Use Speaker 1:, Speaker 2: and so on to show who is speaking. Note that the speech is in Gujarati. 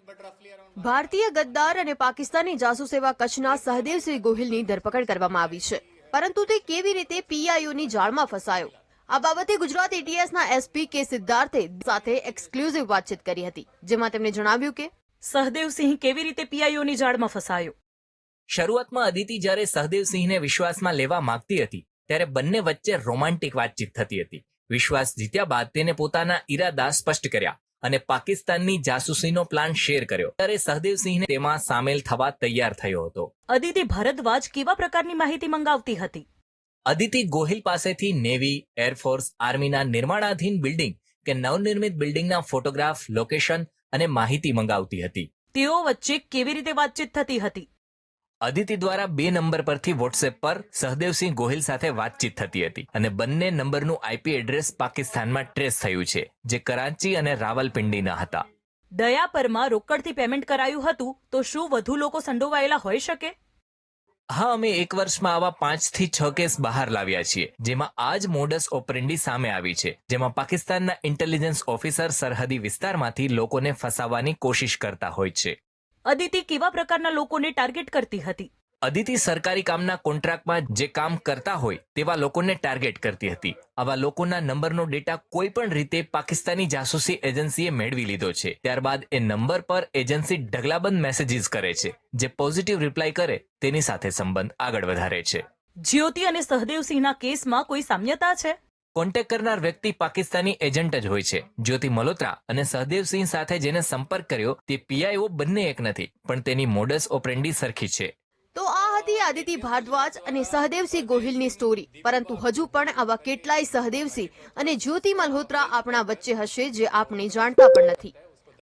Speaker 1: ભારતીય ગદ્દાર અને પાકિસ્તાની જાસૂસ એવા કચ્છના સહદેવસિંહ ગોહિલની ધરપકડ કરવામાં આવી છે, પરંતુ તે કેવી રીતે પીઆઈઓની જાળમાં ફસાયો? આ બાબતે ગુજરાત એટીએસના એસપી કે સિદ્ધાર્થે સાથે એક્સક્લુઝિવ વાતચીત કરી હતી, જેમાં તેમણે જણાવ્યું કે
Speaker 2: સહદેવસિંહ કેવી રીતે પીઆઈઓની જાળમાં ફસાયો.
Speaker 3: શરૂઆતમાં અદિતિ જ્યારે સહદેવસિંહને વિશ્વાસમાં લેવા માંગતી હતી ત્યારે બંને વચ્ચે રોમાન્ટિક વાતચીત થતી હતી. વિશ્વાસ જીત્યા બાદ તેને પોતાના ઈરાદા સ્પષ્ટ કર્યા અને પાકિસ્તાનની જાસૂસીનો પ્લાન શેર કર્યો. ત્યારે સહદેવસિંહને તેમાં સામેલ થવા તૈયાર થયો હતો.
Speaker 2: અદિતિ ભારદ્વાજ કેવા પ્રકારની માહિતી મંગાવતી હતી?
Speaker 3: અદિતિ ગોહિલ પાસેથી નેવી, એરફોર્સ, આર્મીના નિર્માણાધીન બિલ્ડિંગ કે નવનિર્મિત બિલ્ડિંગના ફોટોગ્રાફ, લોકેશન અને માહિતી મંગાવતી હતી.
Speaker 2: તેઓ વચ્ચે કેવી રીતે વાતચીત થતી હતી?
Speaker 3: અદિતિ દ્વારા 2 નંબર પરથી વોટ્સએપ પર સહદેવસિંહ ગોહિલ સાથે વાતચીત થતી હતી અને બંને નંબરનું આઈપી એડ્રેસ પાકિસ્તાનમાં ટ્રેસ થયું છે, જે કરાચી અને રાવલપિંડીના હતા.
Speaker 2: દયાપરમાં રોકડથી પેમેન્ટ કરાયું હતું, તો શું વધુ લોકો સંડોવાયેલા હોઈ શકે?
Speaker 3: હા, અમે 1 વર્ષમાં આવા 5 થી 6 કેસ બહાર લાવ્યા છીએ, જેમાં આ જ મોડસ ઓપરેન્ડી સામે આવી છે, જેમાં પાકિસ્તાનના ઇન્ટેલિજન્સ ઓફિસર સરહદી વિસ્તારમાંથી લોકોને ફસાવવાની કોશિશ કરતા હોય છે.
Speaker 2: અદિતિ કેવા પ્રકારના લોકોને ટાર્ગેટ કરતી હતી?
Speaker 3: અદિતિ સરકારી કામના કોન્ટ્રાક્ટમાં જે કામ કરતા હોય તેવા લોકોને ટાર્ગેટ કરતી હતી. આવા લોકોના નંબરનો ડેટા કોઈ પણ રીતે પાકિસ્તાની જાસૂસી એજન્સીએ મેળવી લીધો છે. ત્યારબાદ એ નંબર પર એજન્સી ઢગલાબંધ મેસેજીસ કરે છે, જે પોઝિટિવ રિપ્લાય કરે તેની સાથે સંબંધ આગળ વધારે છે.
Speaker 2: જ્યોતિ અને સહદેવસિંહના કેસમાં કોઈ સામ્યતા છે?
Speaker 3: કોન્ટેક્ટ કરનાર વ્યક્તિ પાકિસ્તાની એજન્ટ જ હોય છે. જ્યોતિ મલ્હોત્રા અને સહદેવસિંહ સાથે જેને સંપર્ક કર્યો તે પીઆઈઓ બંને એક નથી, પણ તેની મોડસ ઓપરેન્ડી સરખી છે.
Speaker 1: તો આ હતી આદિતિ ભારદ્વાજ અને સહદેવસિંહ ગોહિલની સ્ટોરી. પરંતુ હજુ પણ આવા કેટલાય સહદેવસિંહ અને જ્યોતિ મલ્હોત્રા આપણા વચ્ચે હશે, જે આપણે જાણતા પણ નથી.